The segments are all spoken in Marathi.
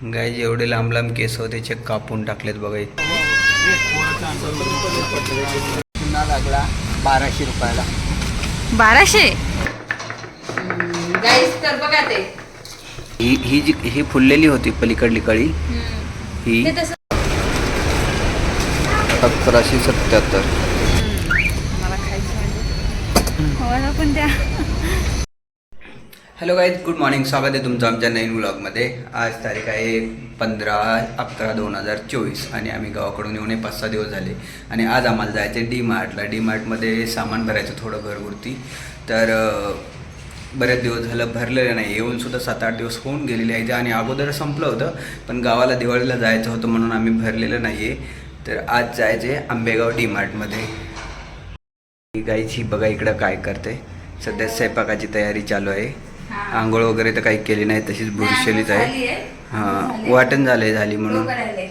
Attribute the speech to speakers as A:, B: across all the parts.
A: गाय जेवढे लांब लांब केस होते ते कापून टाकलेत बघा.
B: पुन्हा लागला 1200 रुपयाला.
C: 1200 गाईस. तर बघा ते
A: ही जी ही फुललेली होती पलीकडली कळी ही 1177.
C: मला खायचं मला पण द्या.
A: Hello guys, good morning. स्वागत आहे तुमचं आमच्या नवीन व्लॉगमध्ये. आज तारीख आहे 15/11/2024 आणि आम्ही गावाकडून येऊन 5-6 दिवस झाले आणि आज आम्हाला जायचं आहे डी-मार्टला. डी-मार्टमध्ये सामान भरायचं थोडं घरगुरती. तर बरेच दिवस झालं भरलेलं नाही, येऊनसुद्धा 7-8 दिवस होऊन गेलेले आहेत आणि अगोदर संपलं होतं, पण गावाला दिवाळीला जायचं होतं म्हणून आम्ही भरलेलं नाही आहे. तर आज जायचं आहे आंबेगाव डी-मार्टमध्ये. गाईची बघा इकडं काय करते. सध्या स्वयंपाकाची तयारी चालू आहे. आंघोळ वगैरे तर काही केली नाही, तशीच बुरशेलीच आहे. हां, वाटण झाली म्हणून.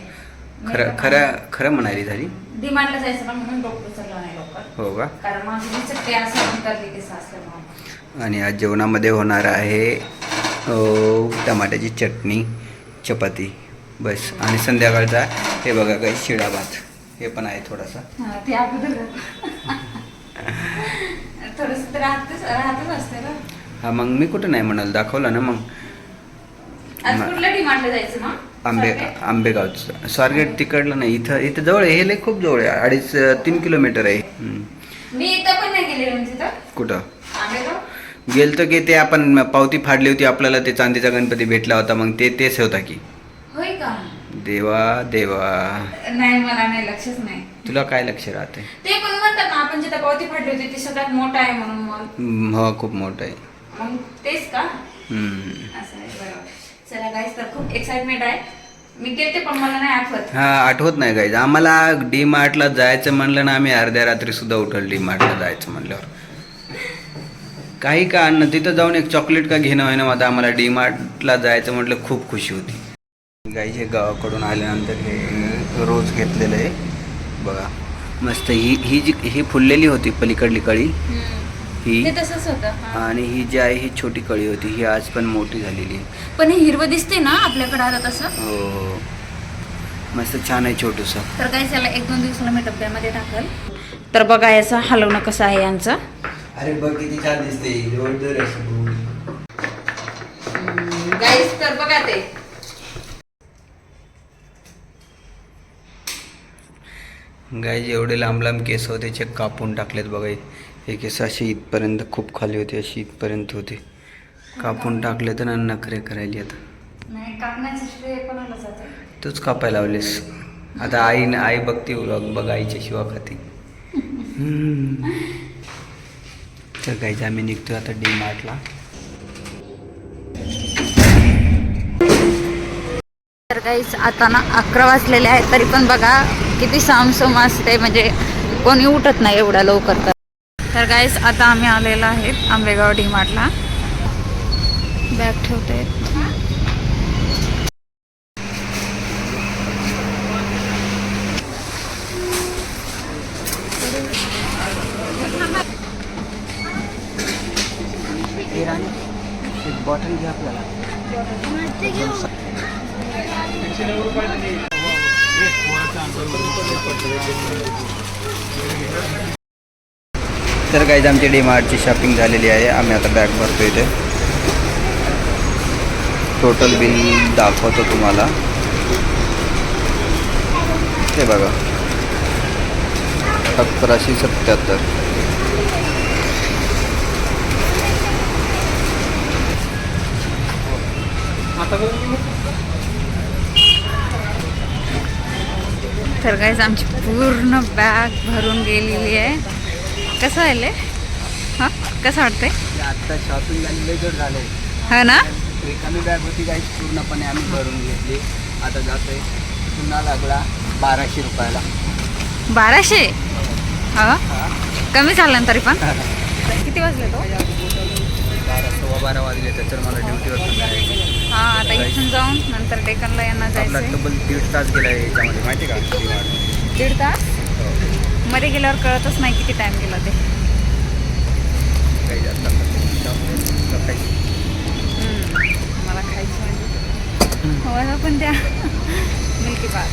A: खरं म्हणाली झाली.
C: डिमांडला जायचं पण म्हणून डॉक्टर चालला नाही लवकर.
A: हो का?
C: कारण माझी चट्टे असं करली की सासल्यामुळे.
A: आणि आज जेवणामध्ये होणार आहे टमाट्याची चटणी, चपाती बस. आणि संध्याकाळचा हे बघा काही शिळा भात हे पण आहे थोडासा.
C: ते अगोदर थोडंसं राहतच असते ना.
A: हा, मग मी कुठं नाही म्हणाल, दाखवलं ना. मग
C: आज कुठल्या डिमांडला जायचं मग?
A: आंबेगावचं स्वारगेट तिकडलं नाही, इथं जवळ आहे. हे लय खूप जवळ आहे, 2.5-3 किलोमीटर आहे.
C: मी इथं पण नाही गेले म्हणजे तर.
A: कुठं
C: आंबेगाव
A: गेलतो की ते आपण पावती फाडली होती, आपल्याला ते चांदीचा गणपती भेटला होता, मग तेच होता की.
C: होय का?
A: देवा
C: नाही, मला नाही, लक्षच नाही.
A: तुला काय लक्ष राहते?
C: ते पण म्हणतात ना आपण जिथं पावती फाडली होती ते सगळ्यात मोठा आहे म्हणून मॉल.
A: हो, खूप मोठं आहे.
C: मग तेच का? असं आहे, बरोबर. चला गाईस, तर खूप एक्साइटमेंट आहे. मी गेलते पण मला नाही आठवत.
A: हा, आठवत नाही गाईज. आम्हाला डी-मार्टला जायचं म्हणलं ना, आम्ही अर्ध्या रात्री सुद्धा उठल डी-मार्टला जायचं म्हणल्यावर. काही का अन्न तिथं जाऊन एक चॉकलेट का घेणं आहे ना, आता आम्हाला डी-मार्टला जायचं म्हटलं खूप खुशी होती. गाईज हे गावाकडून आल्यानंतर हे रोज घेतलेलं आहे बघा, मस्त. ही फुललेली होती पलीकडली कळी ही,
C: तसंच होतं.
A: आणि ही जी आहे ही छोटी कळी होती, ही आज पण मोठी झालेली आहे.
C: पण हे हिरवं दिसते ना आपल्याकडे आता तसं.
A: हो, मस्त छान आहे छोटूसा.
C: तर गाईस याला 1-2 दिवसाला मी डब्यामध्ये टाकल. तर बघा याचा हलवणं कसं आहे यांचं.
A: अरे बघ किती छान दिसते.
C: गाईस तर बघा ते
A: गाय जेवढे लांब लांब केस होते ते कापून टाकलेत बघा. हे केस अशी इथपर्यंत खूप खाली होते, अशी इथपर्यंत होते, कापून टाकले तर नखरे करायली. आता
C: नाही, कापण्याचं श्रेय कोणाला जाते?
A: तूच कापायला लावलीस. आता आई बघते बघ, आईच्या शिवा खाती. तर गाईज आम्ही निघतोय आता डी-मार्टला.
C: तर गाईस आता ना 11 वाजलेले आहेत, तरी पण बघा किती सामसूम असते, म्हणजे कोणी उठत नाही एवढ्या लवकर. तर गाईस आता आम्ही आलेलो आहे आंबेगाव डी-मार्टला. बॅग ठेवते.
A: एक बॉटल घ्या आपल्याला. तर गाईज आमची डी-मार्टची शॉपिंग झालेली आहे. आम्ही आता बॅग भरतो. इथे टोटल बिल दाखवतो तुम्हाला. ते बघा 1177.
C: तर गाईस आमची पूर्ण बॅग भरून गेलेली आहे. कसं आहे? हां, कसं वाटतंय?
A: आत्ता शॉपिंग झालेले जर झाले
C: हो ना.
A: रिकामी बॅग होती गाईज, पूर्णपणे आम्ही भरून घेतली. आता जातोय. पुन्हा लागला 1200 रुपयाला.
C: 1200? हो, कमी झालं तरी पण. किती वाजले तो?
A: 12-12 वाजले. तर मला ड्युटीवर पण जायचं.
C: हां, आता इथून जाऊन नंतर डेकनला यांना
A: आपला
C: जायचं.
A: तब्बल 1.5 तास गेला आहे याच्यामध्ये, माहिती का?
C: 1.5 तास मध्ये गेल्यावर कळतच नाही किती टाइम गेला ते.
A: काही जास्त
C: मला खायचं म्हणजे मला पण द्या मिल्की बार.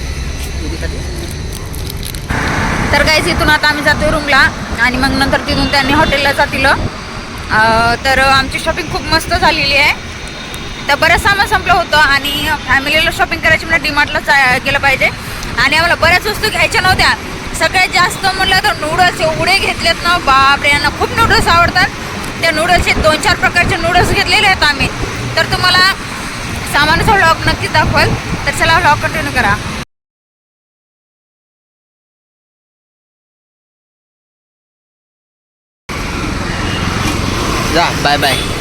C: तर काहीच इथून आता आम्ही जातो रूमला आणि मग नंतर तिथून त्यांनी हॉटेलला जातील. तर आमची शॉपिंग खूप मस्त झालेली आहे. तर बरंच सामान संपलं होतं आणि फॅमिलीला शॉपिंग करायची म्हणजे डीमार्टला गेलं पाहिजे. आणि आम्हाला बऱ्याच वस्तू घ्यायच्या नव्हत्या. सगळ्यात जास्त म्हटलं तर नूडल्स एवढे घेतलेत ना, बापरे, यांना खूप नूडल्स आवडतात. त्या नूडल्सचे 2-4 प्रकारचे नूडल्स घेतलेले आहेत आम्ही. तर तुम्हाला सामानाचा व्लॉग नक्कीच दाखवाल. तर चला व्लॉग कंटिन्यू करा.
B: जा बाय बाय.